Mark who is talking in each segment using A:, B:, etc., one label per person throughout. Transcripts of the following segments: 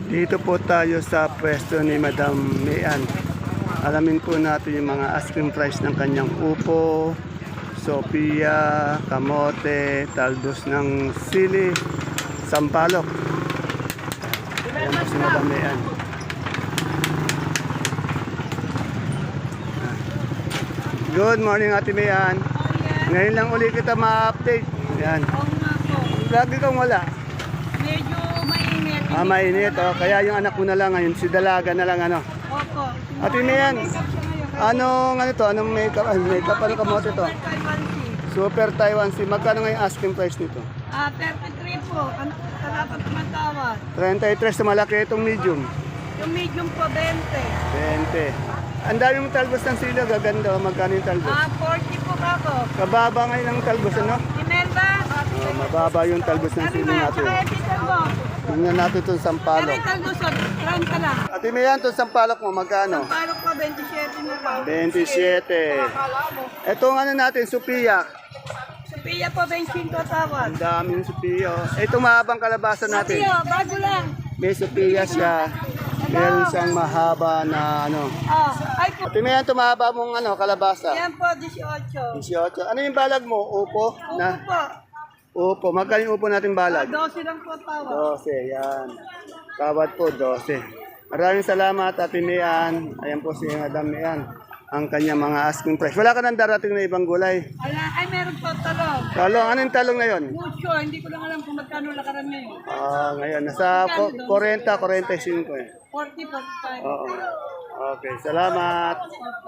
A: Dito po tayo sa pwesto ni Madam Mian. Alamin po natin yung mga asking price ng kanyang upo, Sophia, kamote, talbos ng sili, sampalok. Ayan po si Madam Mian. Good morning, Ate Mian. Ngayon lang uli kita ma-update. Yan. Lagi kang wala.
B: Medyo mainit.
A: Mainit. Oh. Kaya yung anak mo na lang ngayon, si Dalaga na lang ano.
B: Opo.
A: Ate Mian, anong ano to? Anong makeup? Makeup ano kamote to? Super Taiwan Sea. Magkano ngayon asking price nito?
B: 33 po. Ano dapat tumatawad?
A: 33 sa malaki itong medium.
B: Yung medium po, 20.
A: 20. Ang dami mong talbos ng sila, gaganda. Magkano yung talbos?
B: 40 po ako.
A: Kababa ngayon ang talbos, ano?
B: Imelba?
A: Mababa yung talbos ng sila natin.
B: Tsaka epitan mo.
A: Tingnan natin itong sampalok.
B: Epitan mo, 30 lang.
A: Ate Mian, itong sampalok mo, magkano?
B: Parang po, 27 na lang.
A: 27. Itong ano natin, Sophia.
B: Sophia po, 25 tawad.
A: Ang daming Sophia. Itong mahabang kalabasa natin.
B: Sophia, bago lang.
A: May Sophia siya. Meron siyang mahaba na ano.
B: Ay po.
A: Ate Mian, itong mahaba mong ano, kalabasa.
B: Yan po, 18.
A: 18. Ano yung balag mo? Upo?
B: Upo
A: Na?
B: po.
A: Upo. Magkano yung upo natin balag?
B: 12 lang po tawad.
A: 12, yan. Tawad po, 12. Maraming salamat, Ate Mian. Ayan po si Madam Mian. Ang kanyang mga asking price. Wala ka nang darating na ibang gulay.
B: Ay, meron po talong.
A: Talong, ano yung talong na yun?
B: Mucho, hindi ko lang alam kung magkano lakaran ngayon.
A: Ngayon, nasa 40, 45 eh.
B: 40, 45.
A: Oo. Okay, salamat.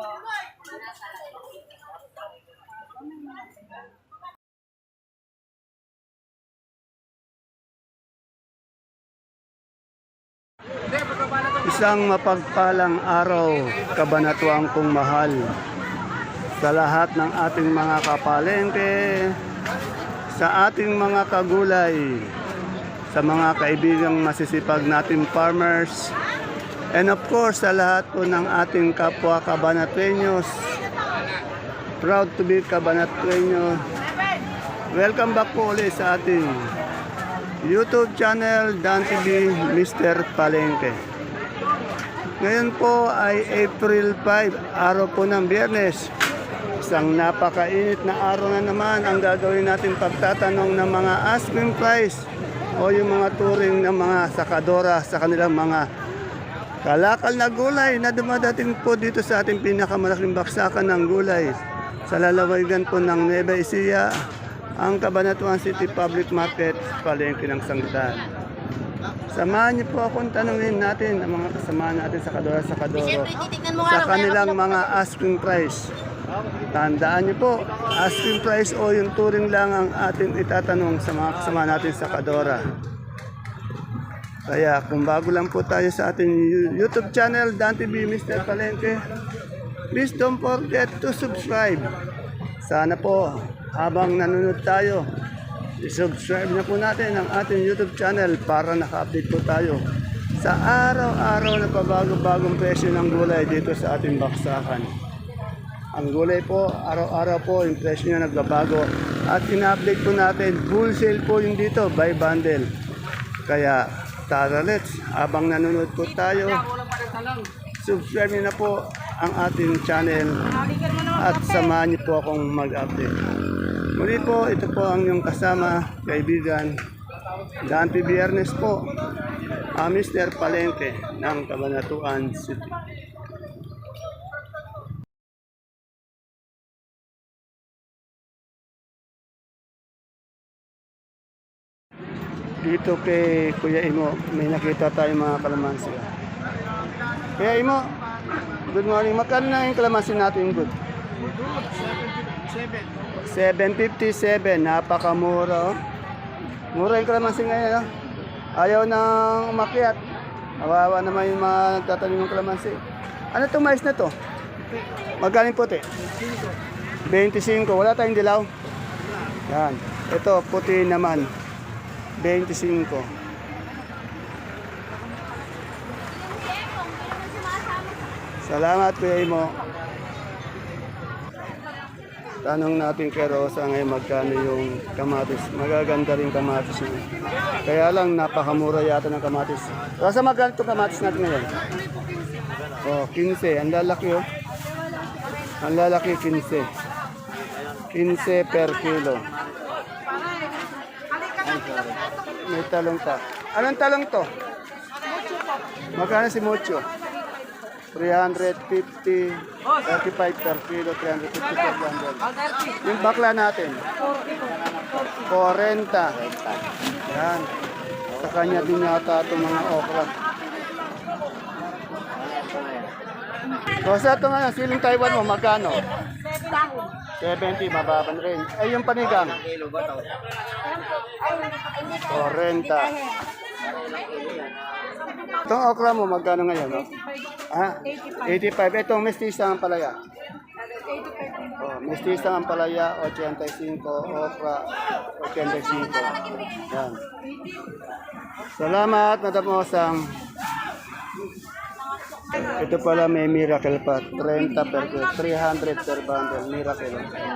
A: Isang mapagpalang araw, kabanatuang kong mahal sa lahat ng ating mga kapalengke, sa ating mga kagulay, sa mga kaibigang masisipag nating farmers, and of course sa lahat po ng ating kapwa Cabanatueños. Proud to be Cabanatueño. Welcome back po ulit sa ating YouTube channel, Dan TV Mr. Palengke. Ngayon po ay April 5, araw po ng Biyernes. Isang napakainit na araw na naman ang gagawin natin pagtatanong ng mga asking price o yung mga turing ng mga sakadora sa kanilang mga kalakal na gulay na dumadating po dito sa ating pinakamalaking baksakan ng gulay sa lalawigan po ng Nueva Ecija, ang Cabanatuan City Public Market, palengke ng Sangitan. Samahan niyo po akong tanungin natin ang mga kasama natin sa Kadora sa kanilang mga asking price. Tandaan niyo po, asking price o yung turing lang ang ating itatanong sa mga kasama natin sa Kadora. Kaya kung bago lang po tayo sa ating YouTube channel, Dan TV Mr. Palengke, please don't forget to subscribe. Sana po, habang nanonood tayo, i-subscribe na po natin ang ating YouTube channel para naka-update po tayo sa araw-araw na pabago-bagong presyo ng gulay dito sa ating baksakan. Ang gulay po, araw-araw po, yung presyo niya nagbabago at ina-update po natin, wholesale po yung dito, by bundle. Kaya, tara let's, habang nanonood po tayo, subscribe niyo na po ang ating channel at samahan niyo po akong mag-update. Muli po, ito po ang inyong kasama, kaibigan, Dante Biyernes po, Mr. Palengke ng Cabanatuan City. Dito kay Kuya Imo, may nakita tayong mga kalamansi. Kuya Imo, good morning. Magkano na yung kalamansi natin good? 757, napakamura. Mura yung kalamansi ngayon. No? Ayaw nang umakyat. Kawawa naman yung mga nagtatanim ng kalamansi. Ano itong mais na to? Magaling puti? 25. Wala tayong dilaw? Yan. Ito, puti naman. 25. Salamat, Kuya Imo. Tanong natin kay Rosa ngayon magkano yung kamatis. Magaganda rin kamatis niya. Kaya lang napakamura yata ng kamatis. Rosa, magkano itong kamatis natin ngayon? Oh, 15. Ang lalaki oh. Ang lalaki 15. 15 per kilo. May talong pa. Anong talong to? Magkano si Mucho? 350, 35 per kilo, 350 per bundle. Yung bakla natin? 40. Yan. Sa kanya din yata itong mga okra. So sa itong siling Taiwan mo, magkano? 70, mababa na rin. Ay, yung panigang? 40. Itong okra mo, magkano ngayon? No? Ah, 85. Itong mestiza ang palaya. Oh, mestiza ang palaya, 85. Okra, 85. Yan. Salamat, Madam Osang. Ito pala may miracle pa. 30 per kilo, 300 per bundle. Miracle.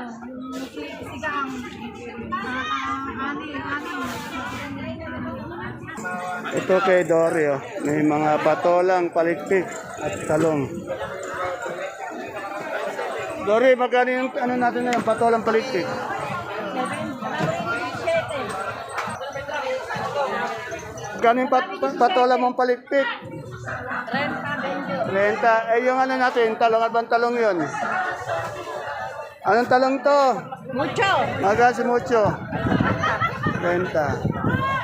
A: Ito kay Dory, oh. May mga patolang palikpik at talong. Dory, magkano yung ano natin na yung patolang palikpik? Magkano yung patolang mong palikpik? 30. Eh yung ano natin, talong, at bang talong yun? Anong talong to?
B: Mucho.
A: Magkano si Mucho? 30.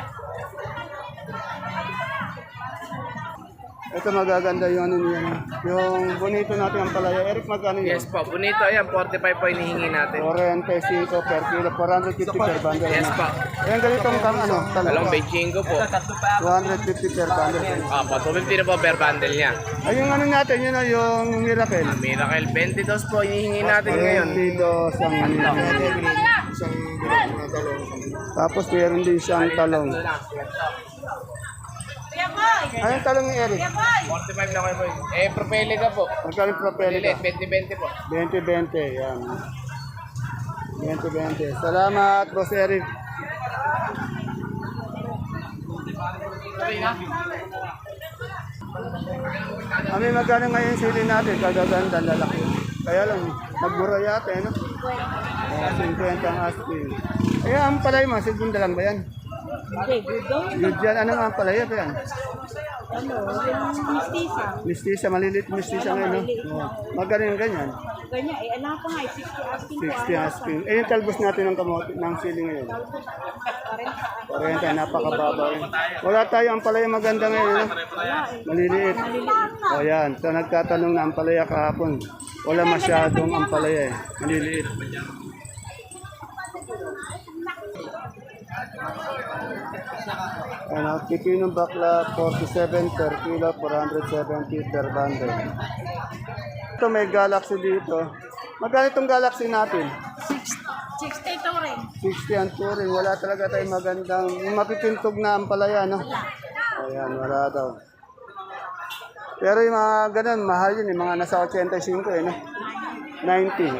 A: Ito magaganda yung ano niya. Yung bonito natin ang palaya. Eric, magkano yun?
C: Yes po, bonito yan, 45 po hinihingi natin.
A: 45 per kilo, 450 per bundle.
C: Yes po.
A: Ayan, ganitong kang ano?
C: Talong Beijingo po.
A: 250 per bundle.
C: Opo, 250 na po per bundle niya.
A: Ay, yung ano natin, yun o, yung Miracle.
C: Miracle, 22 po hinihingi natin ngayon.
A: Dito sa Tapos meron din siyang talong. Anong talong ni Eric?
C: 45 na kayo po. Propelica po.
A: Magkano yung propelica?
C: Lilit, 20-20 po.
A: 20-20, yan. 20-20. Salamat, Boss Eric. Kami magkano ngayon sili natin? Kagaganda, lalaki. Kaya lang, nagbura yata, eh, no? 50 ang asking. Eh, ang palay mo, segunda lang ba yan?
B: Hindi, budong.
A: Good yan. Ano nga ang palaya ba yan?
B: Ano, yung mistisa.
A: Mistisa, malilit mistisa ngayon, no? Oh. Magkano yung ganyan?
B: Ganyan, eh, alam ko nga, 60 asking ko.
A: 60 asking. Eh, yung talbos natin ng kamote, ng sili ngayon. 40, napakababa rin. Wala tayo ang palaya maganda ngayon, no? Maliliit. O yan, so nagtatanong na ang palaya kahapon. Wala masyadong ang palaya eh. Maliliit. Ano, pipinong bakla, 47 per kilo, 470 per bundle. Ito may Galaxy dito. Magkano itong Galaxy natin?
B: 62 rin.
A: 60 ang touring. Wala talaga tayong magandang, yung mapipintog na ang palaya, no? Ayan, wala daw. Pero yung mga ganun, mahal yun, yung mga nasa 85 eh, no? 90.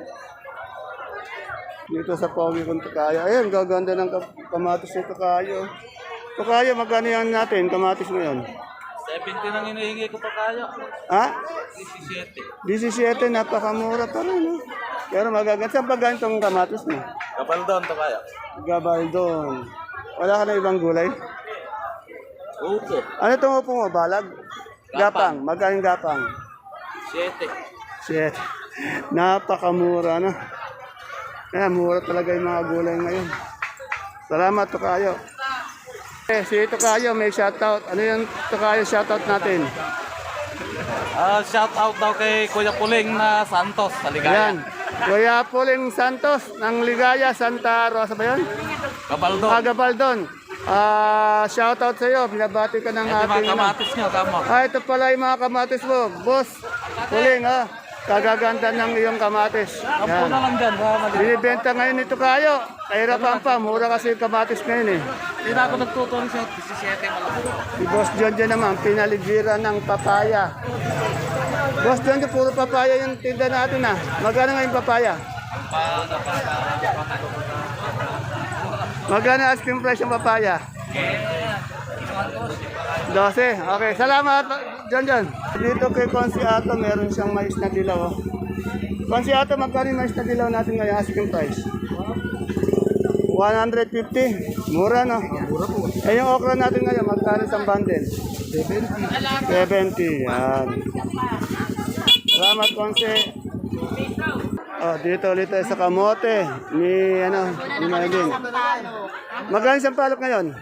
A: Dito sa Pogi kung Tukayo. Ayan, gaganda ng kamatis ng Tukayo. Tukayo, magkano yan natin, kamatis mo yun?
C: 70 nang hinihingi ko pa kayo.
A: Ha?
C: 17.
A: 17, napakamura pa rin, no? Pero magaganda. Saan pa ganitong kamatis mo?
C: Kapal doon to kayo.
A: Gabaldon. Wala ka na ibang gulay?
C: Upo.
A: Ano itong upo mo? Balag? Gapang. Magkano yung gapang?
C: 7.
A: Shit. Napakamura, no? Kaya mura talaga yung mga gulay ngayon. Salamat, Tukayo. Eh, si Tukayo may shoutout. Ano yung Tukayo shoutout natin?
C: Shout out daw kay Kuya Puling na Santos sa Ligaya.
A: Ayan. Kuya Puling Santos ng Ligaya, Santa Rosa ba yun?
C: Kabaldo.
A: Gabaldon. Shoutout sa iyo. Binabati ka ng
C: Ito
A: ating...
C: mga kamatis nyo, tama.
A: Ito pala yung mga kamatis mo. Boss, Puling, ha? Kagaganda ng iyong kamatis.
C: Kampo
A: Yan.
C: na lang dyan.
A: Binibenta ngayon ito kayo. Kahirapan pa, mura kasi yung kamatis ngayon eh.
C: Hindi na ako nagtutuloy sa 17 malaki.
A: Si Boss John dyan naman, pinaligiran ng papaya. Boss John, puro papaya yung tinda natin ah. Magkano ngayon papaya? Magkano asking price ng papaya? 12. Okay, salamat. John. Dito kay Consiato, meron siyang mais na dilaw. Oh. Consiato, magkano yung mais na dilaw natin ngayon asking price? 150. Mura, no? Mura po. Eh, yung okra natin ngayon, magkano isang bundle? 70. Yan. Salamat, Consi. Oh, dito ulit tayo sa kamote ni Maylin. Magkano isang palok ngayon?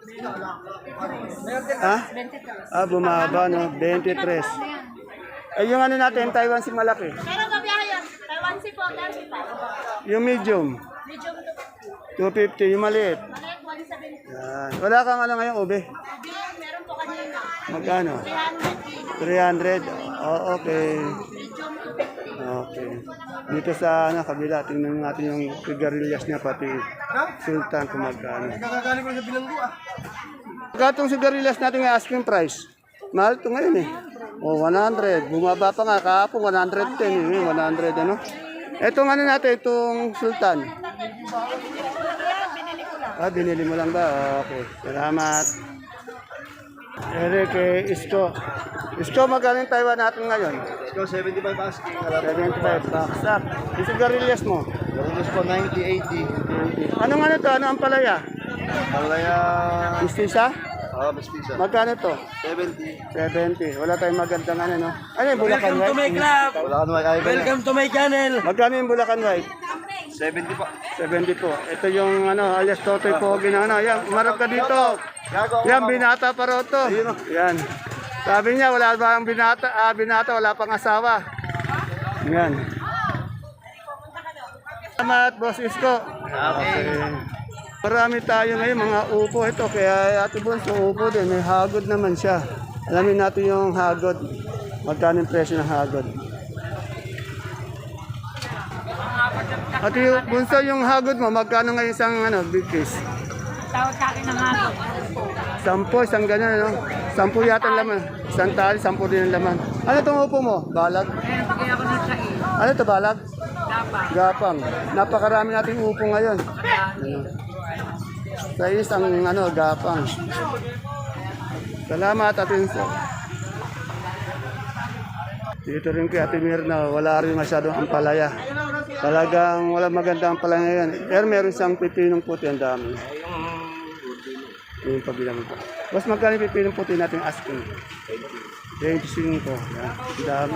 A: Ha? Bumaba, no? 23. Eh, yung natin, Taiwan si malaki.
B: Pero gabiyahe yan. Taiwan si po, dami pa.
A: Yung medium,
B: Medyo
A: 250. Yung maliit.
B: maliit, 170.
A: Yan. Wala kang ngayon, ube.
B: Meron po kanina.
A: Magkano?
B: 300.
A: 300. Oh, okay.
B: Medyo 250.
A: Okay. Dito sa kabila, tingnan natin yung sigarilyas niya, pati sultan kung magkano.
D: Nakagaling ko sa bilanggo ah.
A: Katong sigarilyas natin yung asking price. Mahal ito ngayon eh. Oh, 100. Bumaba pa nga kahapon, 110 eh. 100 ano. Itong natin, itong sultan. Binili mo lang ba? Okay. Salamat. Eric, Isko. Isko, magkano yung Taiwan natin ngayon?
D: Ikaw 75 asking.
A: 75 baksak. Yung sigarilyas mo?
D: Garulos po 90, 80.
A: Anong to? Ano ang palaya?
D: Palaya.
A: Istisa?
D: Mestiza.
A: Magkano to?
D: 70.
A: 70. Wala tayong magandang no? Ano yung Bulacan White?
D: Wala ka naman ay.
C: to my channel.
A: Magkano yung Bulacan White?
D: 70 pa.
A: 72. Ito yung alias Totoy Pogi na Yan, umarap ka dito. Yan, binata pa raw to. Yan. Sabi niya, wala ba ang binata, wala pang asawa. Yan. Salamat, Boss Isko. Okay. Marami tayo ngayon, mga upo ito. Kaya Ate Bonso, upo din. May hagod naman siya. Alamin natin yung hagod. Magkano yung presyo ng hagod. Ate Bonso, yung hagod mo, magkano ngayon isang big case?
B: Tawag sa akin ng hagod.
A: 10, isang ganyan, no? 10 yata ang laman. Isang tali, 10 din ang laman. Ano itong upo mo? Balag?
B: Bigay ako ng sain.
A: Ano ito, balag?
B: Gapang.
A: Gapang. Napakarami nating upo ngayon. Sa isang gapang. Salamat, Ate Inso. Dito rin kay Ate Mirna, wala rin masyadong ampalaya. Talagang wala magandang ampalaya ngayon. Pero meron siyang pipinong puti, ang dami. Yung pabilang ko. Mas magkano yung pipinong puti natin asking? 25. Yan. Ang dami.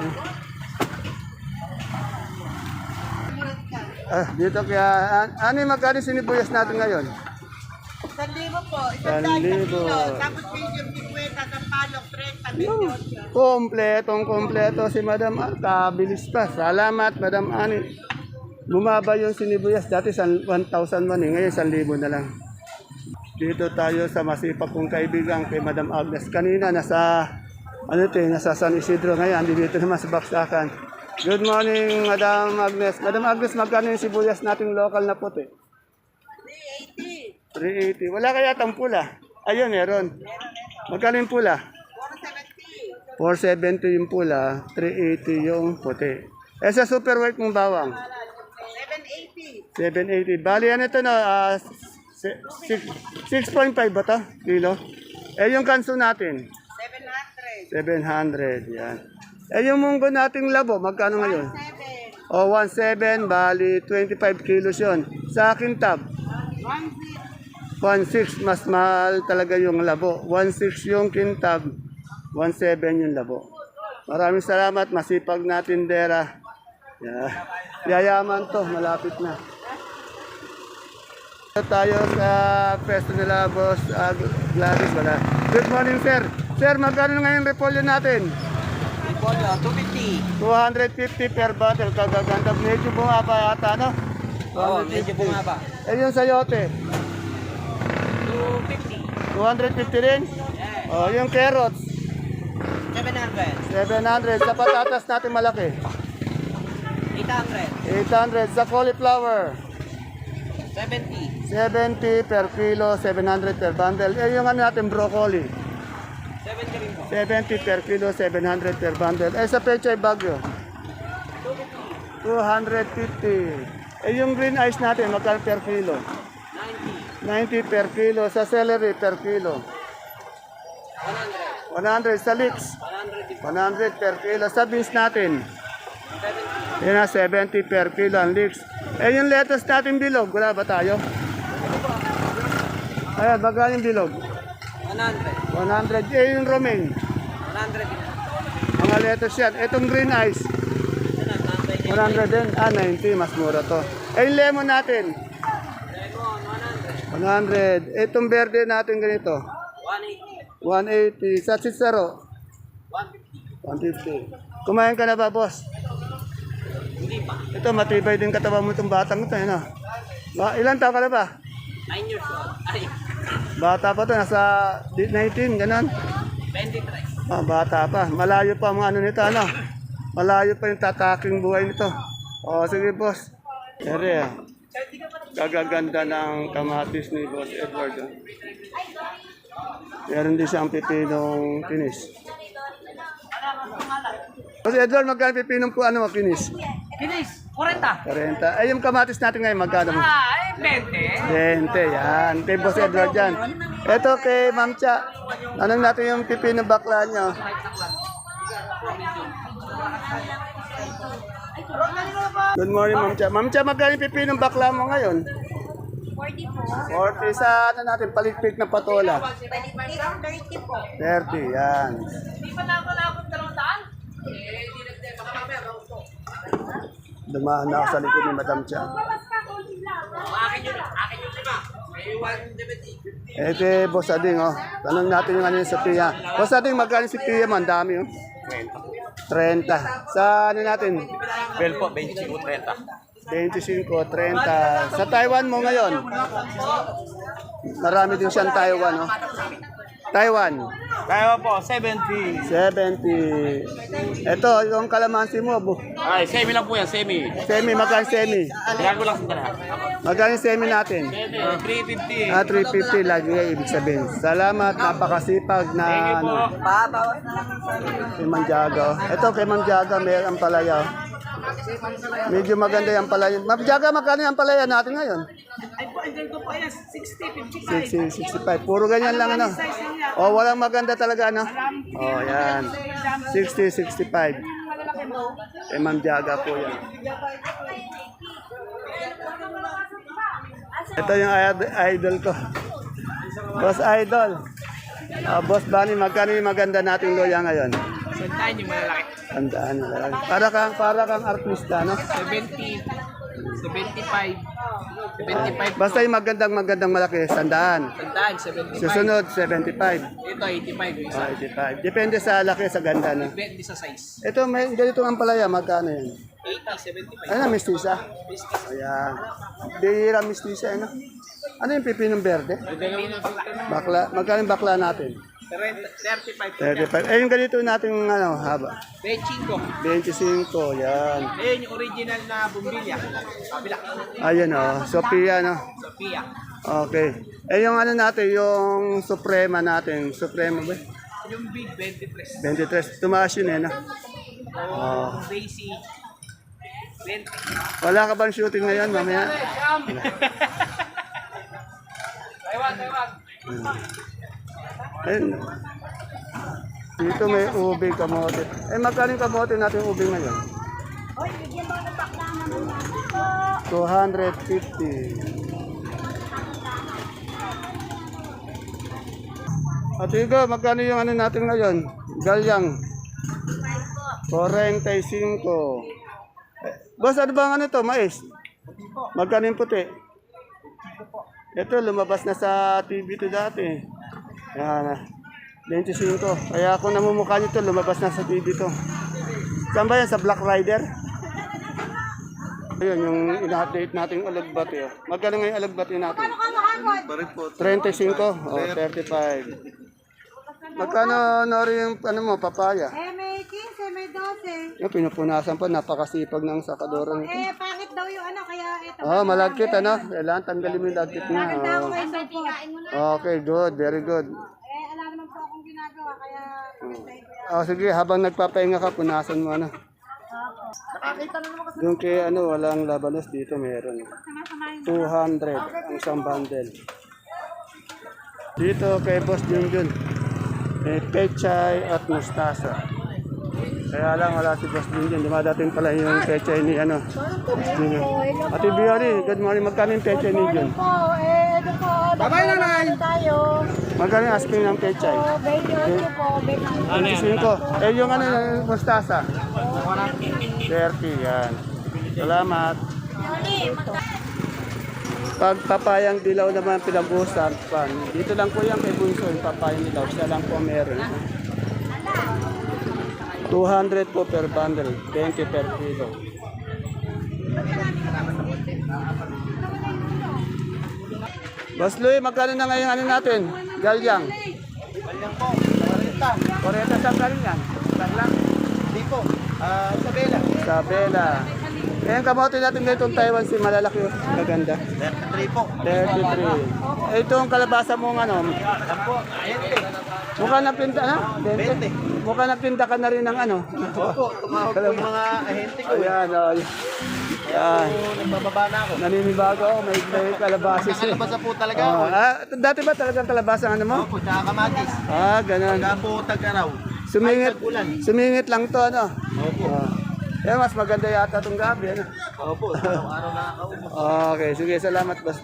A: Dito kaya, ano yung magkano sinibuyas natin ngayon?
B: 1,000 po.
A: 1,000.
B: Tapos medium 50, sa palok 30, 28.
A: Kompletong-kompleto si Madam Ani. Kabilis pa. Salamat, Madam Ani. Bumaba yung sinibuyas. Dati 1,001 eh. Ngayon 1,000 na lang. Dito tayo sa masipag kong kaibigan kay Madam Agnes. Kanina nasa San Isidro. Ngayon, dito naman sa Baksakan. Good morning, Madam Agnes. Madam Agnes, magkano yung sibuyas nating local na puti? 380. Wala kaya tang pula? Ayun, meron. Magkano yung pula? 470 yung pula, 380 yung puti. Eh sa super white mong bawang? 780. Bali ano ito na 6.5 ba ito? Kilo? Eh yung kanso natin? 700. Yan. Eh yung munggo nating labo, magkano ngayon? 17, bali 25 kilos yun. Sa akin tab? 1.6, mas mahal talaga yung labo. 1.6 yung kintab, 1.7 yung labo. Maraming salamat, masipag na tindera. Yeah. Yayaman to, malapit na. Tayo sa pwesto nila, Boss Gladys. Wala. Good morning, sir. Sir, magkano ngayon repolyo natin?
C: Repolyo, 250.
A: 250 per bundle. Kagaganda. Medyo bumaba yata, no?
C: Oo, medyo bumaba.
A: Eh yung sayote?
C: 250.
A: 250 rin? Oh, yung carrots?
C: 700.
A: 700. Sa patatas natin malaki?
C: 800.
A: 800. Sa cauliflower?
C: 70.
A: 70 per kilo, 700 per bundle. Eh, yung natin broccoli?
C: 70 rin po.
A: 70 per kilo, 700 per bundle. Eh, sa pechay bagyo? 250. Eh, yung green ice natin, magkano per kilo? 90 per kilo. Sa celery per kilo. 100 sa leeks. 100 per kilo. Sa beans natin. Yan na, 70 per kilo ang leeks. Eh, yung lettuce natin bilog, wala ba tayo? Ayan, magkano yung bilog?
C: 100.
A: 100. Eh, yung romaine.
C: 100.
A: Mga lettuce yan. Itong green ice. 100 din. 90. Mas mura to. Eh, yung lemon natin. 100. Itong verde natin ganito. 180. Sa sitsaro. 150. Kumain ka na ba, boss?
C: Hindi pa.
A: Ito, matibay din katawan mo itong batang ito. Ano? Ilan taon ka na ba?
C: 9 years old. Ay,
A: Bata pa to. Nasa 19, ganun.
C: 23.
A: Bata pa. Malayo pa ang ano nito. Ano? Malayo pa yung tataking buhay nito. O, sige, boss. Ere, gagaganda ng kamatis ni Boss Edward. Oh. Meron din siyang pipinong kinis. Boss Edward, magkano pipinong po ano kinis?
C: Kinis, 40.
A: 40. Ay, yung kamatis natin ngayon, magkano mo?
C: Ay, 20.
A: 20, yan. Kay Boss Edward yan. Ito kay Ma'am Cha. Anong natin yung pipinong bakla niyo? Good morning, Ma'am Cha. Ma'am Cha, magkano yung pipinong bakla mo ngayon? 40 sa ano natin, palikpik na patola.
B: 30 po.
A: 30, yan. Dumaan na ako sa likod ni Madam Cha. Ito, Boss Ading, oh. Tanong natin yung ano yung Sophia. Boss Ading, magkano si Sophia mo? Ang dami, oh. 30. Sa ano natin?
C: Bell po, 25, 30.
A: 25, 30. Sa Taiwan mo ngayon? Marami din siyang Taiwan, oh. Taiwan.
C: Kaya po, 70.
A: 70. Ito, yung kalamansi mo,
C: Ay, semi lang po yan, semi.
A: semi, magkano semi?
C: Kaya ko lang sa dala.
A: Magkano yung semi natin?
C: 350.
A: 350 lagi nga ibig sabihin. Salamat, napakasipag na ano. Si Ma'am Jaga. Ito kay Ma'am Jaga, may ang palaya. Medyo maganda yung palaya. Ma'am Jaga, magkano yung palaya natin ngayon?
B: Ay po, ang ganito po yan, 60, 55.
A: 60, 65. Puro ganyan lang ano. Oh, walang maganda talaga ano. Oh, yan. 60, 65. Kay Ma'am Jaga po yan. Ito yung idol ko. Boss Idol. Boss Bunny, magkano yung maganda nating loya ngayon?
C: Santahan yung malalaki.
A: Tandaan na lang. Para kang artista, no?
C: 70. 75. 75.
A: Basta yung magandang malaki, sandaan.
C: Santahan, 75.
A: Susunod, 75.
C: Ito, 85.
A: Oh, 85. Depende sa laki, sa ganda, no?
C: Depende sa size.
A: Ito, may ganito ang palaya, magkano yan?
C: 80, 75.
A: Ano, mistisa? Ayan. Bihira mistisa, ano? Ano yung pipinong berde? Bakla. Magkano yung bakla natin?
C: 35.
A: 35. Eh, yung ganito natin, ano, haba.
C: 25.
A: 25, yan.
C: Ayun, yung original na bumbilya. Kabila.
A: Ayun, oh. Sophia, no?
C: Sophia.
A: Okay. Eh, yung ano natin, yung Suprema natin. Suprema ba?
C: Yung big, 23.
A: 23. Tumaas yun, eh, no?
C: Oh. Daisy, 20.
A: Wala ka bang shooting ngayon, mamaya?
C: Taiwan.
A: Ayun. Dito may ube kamote. Eh, magkano yung kamote natin yung ube ngayon?
B: Hoy, bigyan mo ng bakla naman natin po.
A: 250. At ikaw, magkano yung ano natin ngayon? Galyang. 45. Boss, ano ba ang ano to? Mais? Magkano yung puti? Ito, lumabas na sa TV to dati. Yan, 25. Kaya kung namumukha nyo to, lumabas na sa TV to. Saan ba yan? Sa Black Rider? Ayun, yung ina-update natin alagbati. Oh. Magkano nga yung alagbati natin? 35 o 35. Magkano, Nori, yung ano mo, papaya?
B: May 15, may 12.
A: Yung pinupunasan pa, napakasipag ng sakadora nito.
B: Pangit daw yung ano, kaya ito.
A: Oh, malagkit ano? Kailangan tanggalin mo yung lagkit niya. Oh.
B: may support.
A: Okay, good. Very good.
B: Alam naman po akong ginagawa, kaya pagkain ko yan.
A: Oh, sige, habang nagpapahinga ka, punasan mo ano. Yung kay ano, walang labanos dito meron. 200 ang isang bundle. Dito kay Boss Junjun, may pechay at mustasa. Kaya lang wala si Boss Junjun. Dumadating pala yung pechay ni ano. Junjun. Ate Biori, good morning. Magkano yung pechay ni Jun?
B: Babay na tayo.
A: Magkano yung asking ng pechay?
B: 28 po,
A: 25. Eh yung ano, yung mustasa? 30, yan. Salamat. Pag papayang dilaw naman pinag-usapan, dito lang po yan kay Bunso, yung papayang dilaw, siya lang po meron. 200 po per bundle, 20 per kilo. Boss Louie, magkano na ngayon ano natin? Galyang?
C: Galyang po, 40.
A: 40 saan galing yan? Saan lang?
C: Hindi po, Isabela.
A: Isabela. Eh, ang kamote natin ngayon Taiwan, si malalaki, maganda.
C: 33 po.
A: 33. Eh, itong kalabasa mong ano,
C: Yan po, 20.
A: mukha nagtinda, ha? 20. Mukha nagtinda ka na rin ng ano.
C: Opo, tumawag po yung mga ahente ko.
A: Ayan, o. Yan.
C: So, nagbababa na ako.
A: Naninibago ako, may kalabasa siya.
C: Nakakalabasa po talaga ako.
A: Dati ba talagang kalabasa ang ano mo?
C: Opo, tsaka kamatis.
A: Ganun.
C: Pagka po tag-araw.
A: Sumingit lang to, ano?
C: Opo.
A: Mas maganda yata itong gabi, ano?
C: Opo, araw-araw nakakaubos.
A: Okay, sige, salamat, Bas.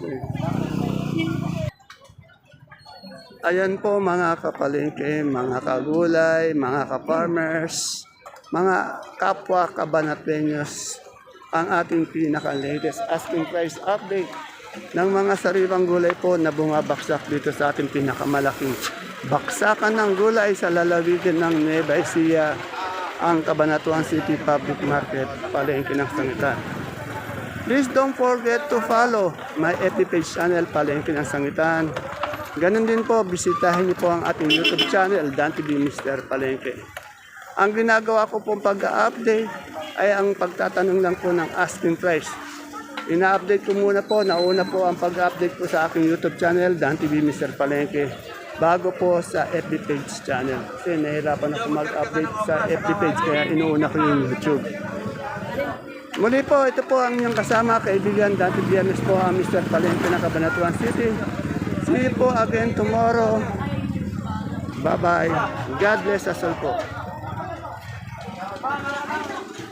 A: Ayan po mga kapalengke, mga kagulay, mga ka-farmers, mga kapwa kabanatenyos, ang ating pinaka-latest asking price update ng mga sariwang gulay po na bumabaksak dito sa ating pinakamalaking baksakan ng gulay sa lalawigan ng Nueva Ecija, ang Cabanatuan City Public Market, Palengke ng Sangitan. Please don't forget to follow my FB page channel, Palengke ng Sangitan. Ganon din po, bisitahin niyo po ang ating YouTube channel, Dan TV Mr. Palengke. Ang ginagawa ko pong pag-update ay ang pagtatanong lang po ng asking price. Ina-update ko muna po, nauna po ang pag-update ko sa aking YouTube channel, Dan TV Mr. Palengke, bago po sa FB page channel. Kasi nahirapan ako mag-update sa FB page, kaya inuuna ko yung YouTube. Muli po, ito po ang inyong kasama, kaibigan, Dan TV po ang Mr. Palengke ng Cabanatuan City. See you po again tomorrow. Bye-bye. God bless us all po.